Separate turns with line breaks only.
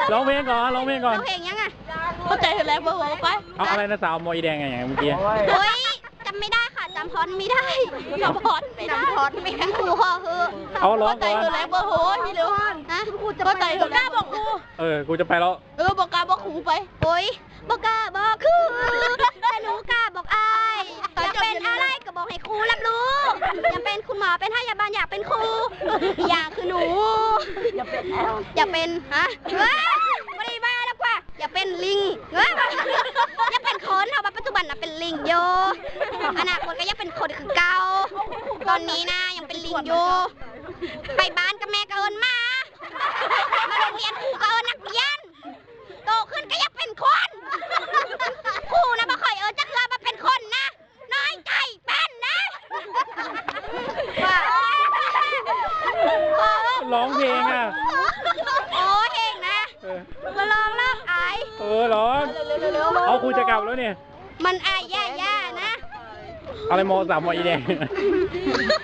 ร้องเพลงก่อนร้องเพลงก่อน
ร้องเพลงยังอ่ะ
เข้าใจแรงเบอร์ไป
เอาอะไรนะสาวมอยแดงไงอย่างเมื่อกี้
โอ้ยจำไม่ได้ค่ะจำพรไม่ได้
จำพอดไม่ได้
จำพรไม่ได้ครูพ่อคือ
เอาร้อง
เข้าใจ
ก่อน
แรงเบอร์โหพี่เร็ว
ฮะ
เข้าใจบอกกล้าบอกครู
กูจะไปแล้ว
บอกกล้าบอกครูไป
โอ้ยบอกกล้าบอกคือแต่หนูกล้าบอกอายอยากเป็นอะไรก็บอกให้ครูรับรู้อยากเป็นคุณหมอเป็นพยาบาลอยากเป็นครูอยากคือหนูอยากเป็นฮะเว้ยไม่ได้บ้าแล้วกว่าอยากเป็นลิงเว้ยอยากเป็นคนเอาปัจจุบันน่ะเป็นลิงโยอนาคตก็อยากเป็นคนคือเก่าตอนนี้นะยังเป็นลิงอยู่ไปบ้านกับแม่ก็เอิญมาโรงเรียนครูก็เอิญนักเรียนโตขึ้นก็อยากเป็นคนครูนะบ่ค่อยเอิญจักเลยมาเป็นคนนะน้อยใจเป็นนะ
ร้องเพลงอ่ะ
โอ้เฮงนะมาลองเลิกอาย
ร้องเอาครูจะกลับแล้วเนี่ย
มันอายย่านะ
อะไรมอสาวมอยแดง